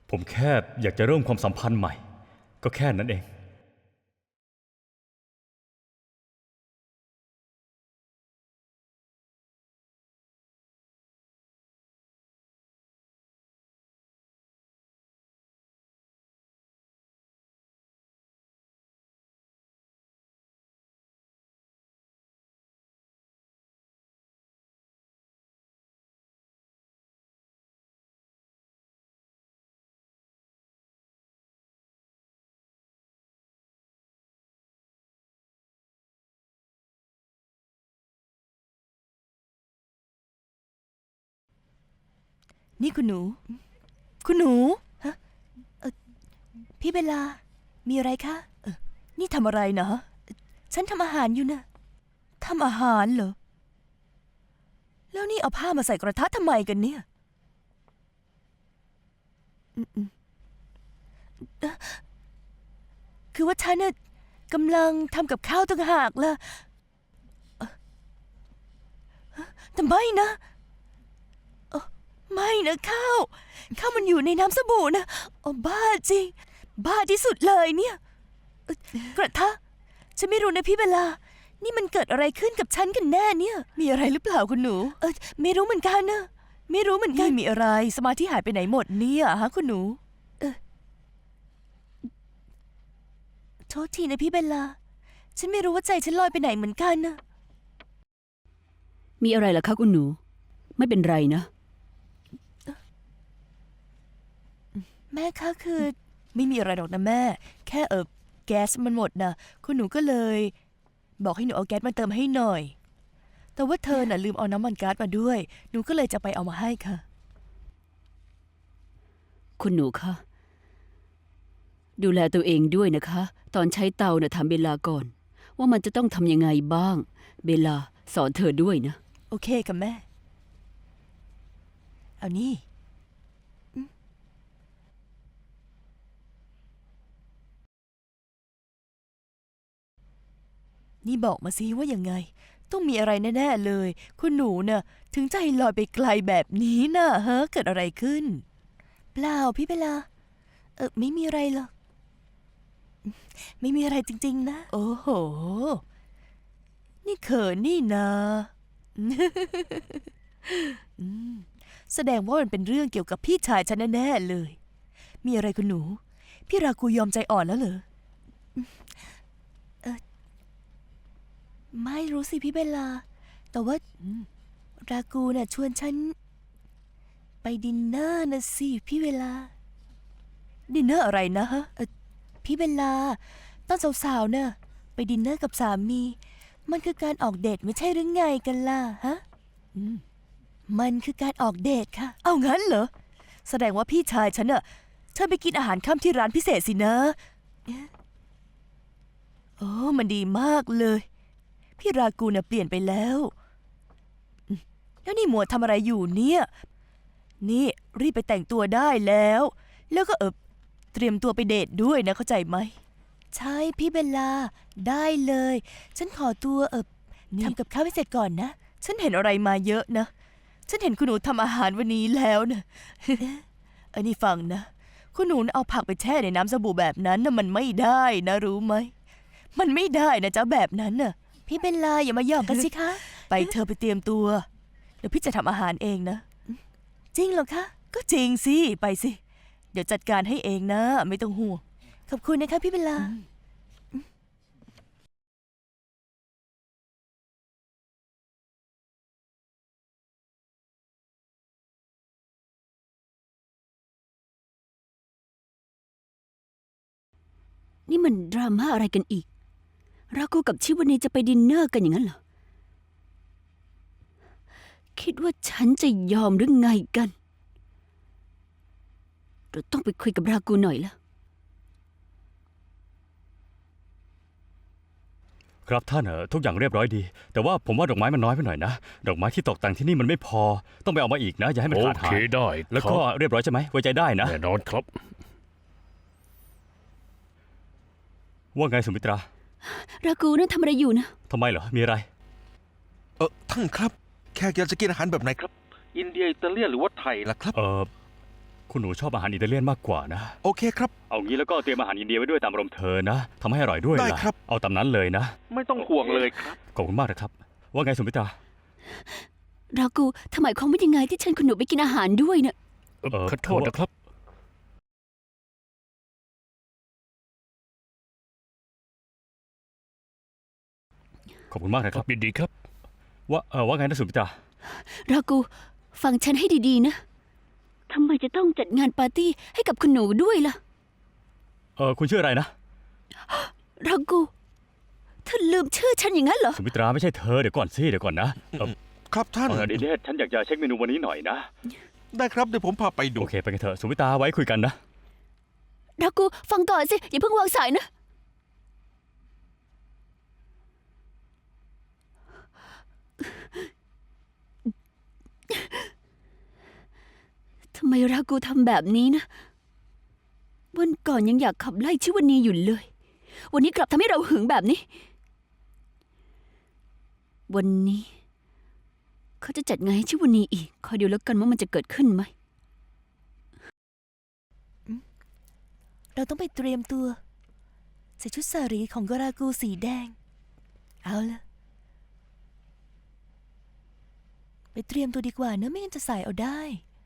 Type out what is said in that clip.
ผมแค่อยากจะเริ่มความสัมพันธ์ใหม่ก็แค่นั้นเองนี่คุณหนู คุณหนูฮะพี่เบลามีอะไรคะนี่ทำอะไรเนาะฉันทำอาหารอยู่นะทำอาหารเหรอแล้วนี่เอาผ้ามาใส่กระทะทำไมกันเนี่ยคือว่าฉันน่ะกำลังทำกับข้าวต่างหากล่ะแต่ไม่นะไม่นะข้าวมันอยู่ในน้ำสบู่นะบ้าจริง บ้าที่สุดเลยเนี่ยกระทะฉันไม่รู้นะพี่เบลานี่มันเกิดอะไรขึ้นกับฉันกันแน่เนี่ยมีอะไรหรือเปล่าคุณหนูไม่รู้เหมือนกันนะไม่รู้เหมือนกันมีอะไรสมาธิหายไปไหนหมดเนี่ยฮะคุณหนูโทษทีนะพี่เบลาฉันไม่รู้ว่าใจฉันลอยไปไหนเหมือนกันนะมีอะไรล่ะคะคุณหนูไม่เป็นไรนะแม่คะคือไม่มีอะไรหรอกนะแม่แค่แก๊สมันหมดนะคุณหนูก็เลย บอกให้หนูเอาแก๊สมาเติมให้หน่อยแต่ว่าเธอน่ะลืมเอาน้ำมันก๊าซมาด้วยหนูก็เลยจะไปเอามาให้ค่ะคุณหนูคะดูแลตัวเองด้วยนะคะ ตอนใช้เตาน่ะถามเบลลาก่อน ว่ามันจะต้องทำยังไงบ้าง เบลลาสอนเธอด้วยนะโอเคค่ะแม่เอานี่นี่บอกมาสิว่ายังไงต้องมีอะไรแน่ๆเลยคุณหนูน่ะถึงใจลอยไปไกลแบบนี้น่ะฮะเกิดอะไรขึ้นเปล่าพี่เบลาไม่มีอะไรหรอกไม่มีอะไรจริงๆนะโอ้โหนี่เขินนี่นะแสดงว่ามันเป็นเรื่องเกี่ยวกับพี่ชายฉันแน่ๆเลยมีอะไรคุณหนูพี่รากูยอมใจอ่อนแล้วเหรอไม่รู้สิพี่เบลลาแต่ว่ารากูน่ะชวนฉันไปดินเนอร์นะสิพี่เวลาดินเนอร์อะไรนะฮะพี่เบลลาตอนสาวๆน่ะไปดินเนอร์กับสามีมันคือการออกเดทไม่ใช่หรือไงกันล่ะฮะมันคือการออกเดทค่ะเอางั้นเหรอแสดงว่าพี่ชายฉันน่ะเชิญไปกินอาหารค่ำที่ร้านพิเศษสินะโอ้มันดีมากเลยพี่รากูน่ะเปลี่ยนไปแล้วแล้วนี่หมวดทำอะไรอยู่เนี่ยนี่รีบไปแต่งตัวได้แล้วก็เตรียมตัวไปเดทด้วยนะเข้าใจไหมใช่พี่เบลลาได้เลยฉันขอตัวทำกับข้าวให้เสร็จก่อนนะฉันเห็นอะไรมาเยอะนะฉันเห็นคุณหนูทำอาหารวันนี้แล้วนะอันนี้ฟังนะคุณหนูเอาผักไปแช่ในน้ำสบู่แบบนั้นนะมันไม่ได้นะรู้ไหมมันไม่ได้นะจ๊ะแบบนั้นน่ะพี่เบลลาอย่ามาหยอกกันสิคะไปเธอไปเตรียมตัวเดี๋ยวพี่จะทำอาหารเองนะจริงเหรอคะก็จริงสิไปสิเดี๋ยวจัดการให้เองนะไม่ต้องห่วงขอบคุณนะคะพี่เบลลานี่มันดราม่าอะไรกันอีกรากูกับชิวานีจะไปดินเนอร์กันอย่างนั้นเหรอคิดว่าฉันจะยอมหรือไงกันเราต้องไปคุยกับรากูหน่อยละครับท่านทุกอย่างเรียบร้อยดีแต่ว่าผมว่าดอกไม้มันน้อยไปหน่อยนะดอกไม้ที่ตกแต่งที่นี่มันไม่พอต้องไปเอามาอีกนะอย่าให้มันโอขาดเคหายได้แล้วครัก็บเรียบร้อยใช่ไหมไว้ใจได้นะแน่นอนครับว่าไงสุมิตรารากูนั่นทำอะไรอยู่นะทำไมเหรอมีอะไรท่านครับแขกอยากจะกินอาหารแบบไหนครับอินเดียอิตาเลียนหรือว่าไทยล่ะล่ะครับคุณหนูชอบอาหารอิตาเลียนมากกว่านะโอเคครับเอางี้แล้วก็เตรียมอาหารอินเดียไว้ด้วยตามอารมณ์เธอนะทำให้อร่อยด้วยได้ล่ะครับเอาตามนั้นเลยนะไม่ต้องห่วงเลยครับขอบคุณมากนะครับ ว่าไงสุมิตรารากูทำไมเขาไม่ยังไงที่เชิญคุณหนูไปกินอาหารด้วยเนี่ยขอโทษนะครับ ขอบคุณมากนะครับยินดีครับว่าไงนะสุมิตรารากูฟังฉันให้ดีๆนะทำไมจะต้องจัดงานปาร์ตี้ให้กับคุณหนูด้วยล่ะคุณชื่ออะไรนะรากูเธอลืมชื่อฉันอย่างนั้นเหรอสุมิตราไม่ใช่เธอเดี๋ยวก่อนนะครับท่านดิเนตฉันอยากจะเช็คเมนูวันนี้หน่อยนะได้ครับเดี๋ยวผมพาไปดูโอเคไปกันเถอะสุมิตราไว้คุยกันนะรากูฟังก่อนสิ อย่าเพิ่งวางสายนะ ทำไมรากูทำแบบนี้นะ วันก่อนยังอยากขับไล่ชิวนีอยู่เลย วันนี้กลับทำให้เราหึงแบบนี้ วันนี้ เขาจะจัดงานให้ชิวนีอีก คอยดูแล้วกันว่ามันจะเกิดขึ้นไหมเราต้องไปเตรียมตัว ใส่ชุดสารีของกรากูสีแดง เอาละไปเตรียมตัวดีกว่าเนอะไม่งั้นจะใส่เอาได้